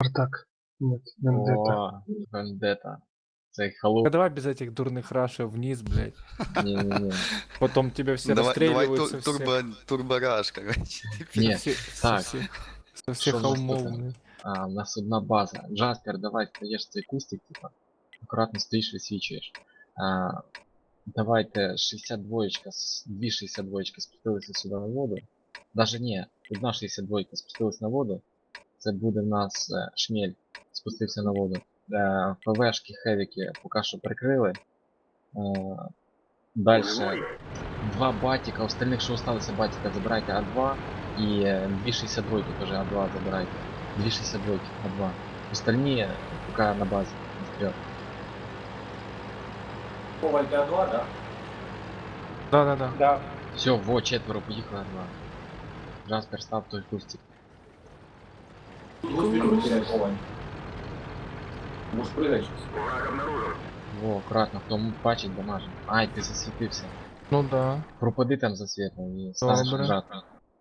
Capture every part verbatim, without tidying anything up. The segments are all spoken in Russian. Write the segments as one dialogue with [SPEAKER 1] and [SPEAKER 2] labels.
[SPEAKER 1] Спартак. Нет, Вендетта.
[SPEAKER 2] О, Вендетта. Це
[SPEAKER 3] А
[SPEAKER 2] холоп.
[SPEAKER 3] давай без этих дурных рашей вниз, блядь.
[SPEAKER 2] Не-не-не.
[SPEAKER 3] Потом тебя все
[SPEAKER 4] Давай, давай
[SPEAKER 3] расстреливают со
[SPEAKER 4] тур,
[SPEAKER 3] всех,
[SPEAKER 4] турбо, турбораж, короче.
[SPEAKER 2] Не,
[SPEAKER 3] со всех, со
[SPEAKER 2] так.
[SPEAKER 3] всех, со
[SPEAKER 2] Що
[SPEAKER 3] всех
[SPEAKER 2] в нас
[SPEAKER 3] холмов,
[SPEAKER 2] тут?
[SPEAKER 3] блядь.
[SPEAKER 2] А, у нас одна база. Джаспер, давай стаєш цей кустик, типа. Акуратно стоїш, висвічуєш. А, давайте шістдесят два, с- дві шістдесят два спустилися сюди на воду. Даже не, одна шістдесят два спустилась на воду. Це буде в нас е, шмель спустився на воду. Е, ПВшки, хевіки поки що прикрили. Е, Дальше два батика, остальних, що осталося батика, забирайте А два. І е, дві шістдесят два теж А два забирайте. дві шістдесят два А два. Остальні поки на базі. Вперед.
[SPEAKER 5] Коваль А два, да?
[SPEAKER 3] Да-да-да.
[SPEAKER 1] Да.
[SPEAKER 2] Все, во, четверо, поїхали А два. Джаспер, став той кустик.
[SPEAKER 5] Двух минут теряй Коваль. Можешь прыгать сейчас.
[SPEAKER 2] Во, акуратно, хто м- бачить, дамажить. Ай, ти засвітився.
[SPEAKER 3] Ну да.
[SPEAKER 2] Пропади там за світлом і станеш
[SPEAKER 3] Добре.
[SPEAKER 2] жати.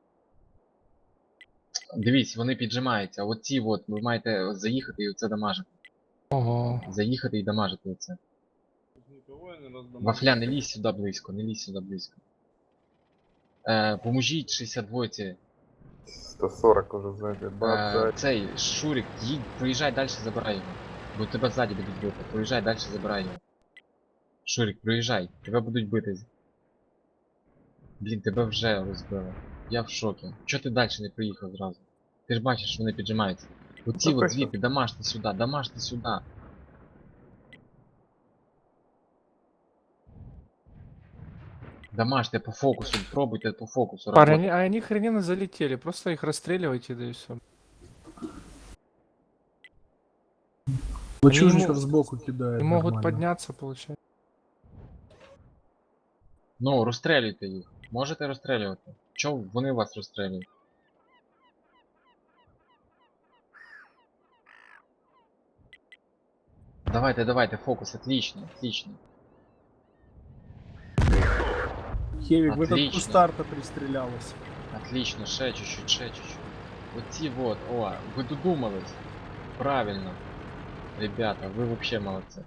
[SPEAKER 2] Дивіться, вони піджимаються. Оці от, ви маєте заїхати і оце дамажити.
[SPEAKER 3] Ого.
[SPEAKER 2] Заїхати і дамажити оце. Вафля, не лізь сюди близько, не лізь сюди близько. Е, поможіть шістдесят два.
[SPEAKER 6] сто сорок уже сзади.
[SPEAKER 2] Е,
[SPEAKER 6] Бац,
[SPEAKER 2] цей Шурик, їдь, проїжджай далі, забирай його. Бо тебе ззаді будуть бити. Проїжджай далі, забирай його. Шурик, проїжджай, тебе будуть бити. Блін, тебе вже розбили. Я в шокі. Чого ти далі не проїхав зразу? Ти ж бачиш, що вони піджимаються. Оці от звідти, дамажте сюди, дамажте сюди. Дамажте по фокусу, пробуйте по фокусу
[SPEAKER 3] Парни,
[SPEAKER 2] работать.
[SPEAKER 3] они, а они охрененно залетели. Просто их расстреливайте, да и все.
[SPEAKER 1] Лачужников
[SPEAKER 3] ему-
[SPEAKER 1] сбоку кидает.
[SPEAKER 3] И могут
[SPEAKER 1] нормально.
[SPEAKER 3] подняться, получается.
[SPEAKER 2] Ну, розстрілюйте їх. Можете розстрілювати. Чого вони вас розстрілюють? Давайте, давайте, фокус, отлично, отлично.
[SPEAKER 1] Хевик в этот
[SPEAKER 2] Отлично.
[SPEAKER 1] кустарта пристрелялась.
[SPEAKER 2] Отлично, ще чуть-чуть, ще чуть-чуть. Оці вот, о, ви додумались. Правильно. Ребята, ви вообще молодці.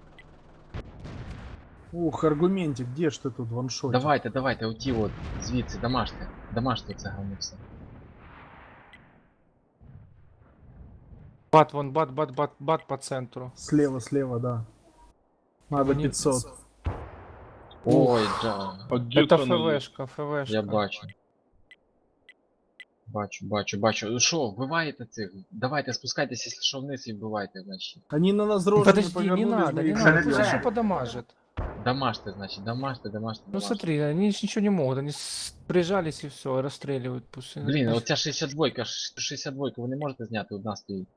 [SPEAKER 1] Ух, аргументик, где ж ты тут ваншот?
[SPEAKER 2] Давайте, давайте, оті от, звідси, дамажте. Дамажте це говно все.
[SPEAKER 3] Бат, вон, бат, бат, бат, бат по центру.
[SPEAKER 1] Слева, слева, да. Надо
[SPEAKER 3] Они-
[SPEAKER 1] пятьсот.
[SPEAKER 2] Ой, джа.
[SPEAKER 3] Это ФВшка, ФВшка.
[SPEAKER 2] Я бачу. Бачу, бачу, бачу. Ну що, вбиваєте цих? Давайте спускайтесь, якщо що вниз і вбивайте, значить.
[SPEAKER 1] Они на нас рожу
[SPEAKER 3] Подожди, не
[SPEAKER 1] повернулись,
[SPEAKER 3] надо,
[SPEAKER 1] мы
[SPEAKER 3] не
[SPEAKER 1] их
[SPEAKER 3] надо,
[SPEAKER 1] забьем.
[SPEAKER 3] пусть еще подамажит.
[SPEAKER 2] Дамажте, значить, дамажте, дамажте,
[SPEAKER 3] Ну
[SPEAKER 2] дамажте.
[SPEAKER 3] смотри, они ж ничего не могут, они с- прижались и все, расстреливают. Пусть...
[SPEAKER 2] Блін,
[SPEAKER 3] Значит,
[SPEAKER 2] оця шістдесят два, шістдесят два, ви не можете зняти, одна стоїть.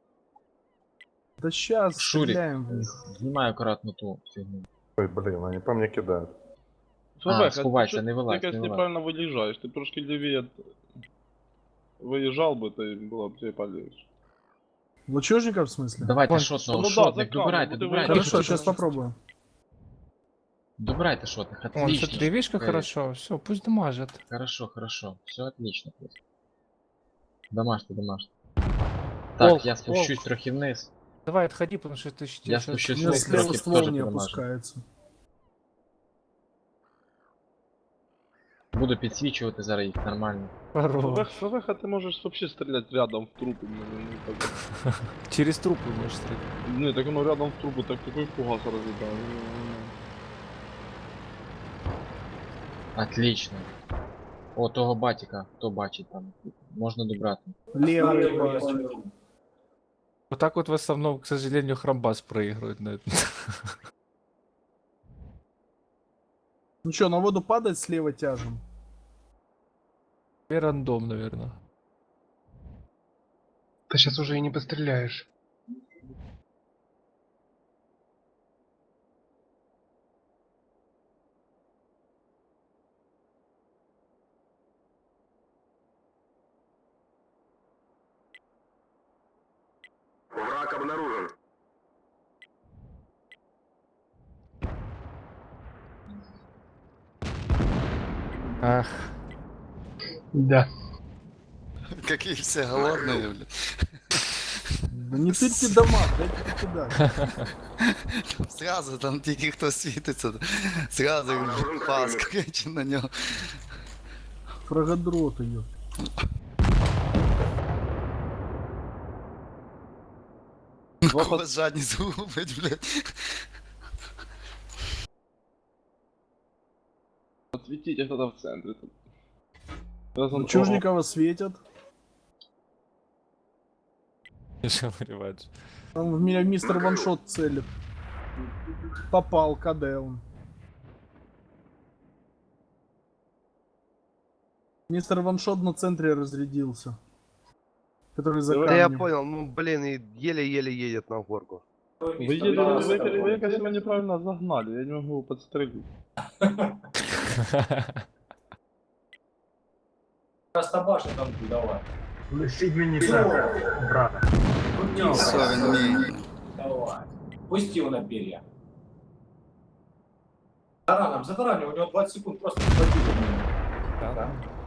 [SPEAKER 1] Да сейчас
[SPEAKER 2] Шурик,
[SPEAKER 1] стреляем в них.
[SPEAKER 2] знімаю акуратно ту фігню.
[SPEAKER 6] Ой, блин, они по мне кидают.
[SPEAKER 2] А, сховайся, не вилазь,
[SPEAKER 7] Ти
[SPEAKER 2] не
[SPEAKER 7] якось
[SPEAKER 2] вилазь.
[SPEAKER 7] неправильно виїжджаєш, ти трошки лівіє виїжджав би, то й було б тебе полегче.
[SPEAKER 1] Лачужников в смысле?
[SPEAKER 2] Давайте
[SPEAKER 3] Вон,
[SPEAKER 2] шотного,
[SPEAKER 7] ну да,
[SPEAKER 2] шотних,
[SPEAKER 7] за камеру,
[SPEAKER 2] добирайте,
[SPEAKER 7] буде
[SPEAKER 2] добирайте.
[SPEAKER 7] виїжджати.
[SPEAKER 1] Хорошо,
[SPEAKER 3] Тихо,
[SPEAKER 1] сейчас
[SPEAKER 3] тихо.
[SPEAKER 1] попробуем.
[SPEAKER 2] Добирайте шотних,
[SPEAKER 3] Вон,
[SPEAKER 2] отлично.
[SPEAKER 3] смотри, видишь, как
[SPEAKER 2] Э,
[SPEAKER 3] хорошо, все, пусть дамажит.
[SPEAKER 2] Хорошо, хорошо, все отлично. просто. Дамажте, дамажте. Так,
[SPEAKER 3] Волк,
[SPEAKER 2] я спущусь
[SPEAKER 3] волк.
[SPEAKER 2] трохи вниз.
[SPEAKER 3] Давай, отходи, потому что ты щ-
[SPEAKER 2] Я
[SPEAKER 3] щас-
[SPEAKER 2] спущусь
[SPEAKER 1] У меня
[SPEAKER 2] вниз,
[SPEAKER 1] слева
[SPEAKER 2] трохи
[SPEAKER 1] ствол
[SPEAKER 2] тоже
[SPEAKER 1] не
[SPEAKER 2] подамажу.
[SPEAKER 1] опускается.
[SPEAKER 2] Буду підсвічувати зараз їх нормально.
[SPEAKER 3] Хорош.
[SPEAKER 7] ФВХ ти можеш взагалі стріляти рядом в трупи. Ну, ну, так.
[SPEAKER 3] Через трупы можешь стрелять.
[SPEAKER 7] Ні, так воно рядом в трупу, так такий фугас розглядає. Ну, ну, ну.
[SPEAKER 2] Отлично. О, того батіка, хто бачить там. Можна добрати.
[SPEAKER 1] Левый бачу.
[SPEAKER 3] Вот так вот в основном, к сожалению, Храмбас проигрывает на этом.
[SPEAKER 1] Ну что, на воду падать слева тяжем?
[SPEAKER 3] И рандом, наверное.
[SPEAKER 1] Ты сейчас уже и не постреляешь.
[SPEAKER 3] Ах,
[SPEAKER 1] Да.
[SPEAKER 4] Какие все голодные, блядь.
[SPEAKER 1] Да не тырьте дома, дайте покидать.
[SPEAKER 4] Зразу там тільки хто світиться, зразу пас, короче, на нього.
[SPEAKER 1] Фрагодрот ее.
[SPEAKER 4] Кого жадність згубить, блядь.
[SPEAKER 7] Отсветите кто-то в центре. тут. Раз он-
[SPEAKER 1] Чужникова светят.
[SPEAKER 3] Що виріваєш?
[SPEAKER 1] Там в меня мистер Ваншот целит. Попал, КД он. Мистер Ваншот на центре разрядился. Который за
[SPEAKER 7] Да
[SPEAKER 8] Да я
[SPEAKER 1] камнем.
[SPEAKER 8] понял, ну блин, и еле-еле едет на горку.
[SPEAKER 7] Вы, едете- вы, вы, вы, кажется, меня неправильно загнали, я не могу его подстрелить.
[SPEAKER 9] Растабаши там давай.
[SPEAKER 5] Лишіть мені так, брата.
[SPEAKER 4] Все, він вміє.
[SPEAKER 9] Давай. Пусти его на перья. Тараном, за тараном, у него двадцать секунд просто хватило.
[SPEAKER 3] Да?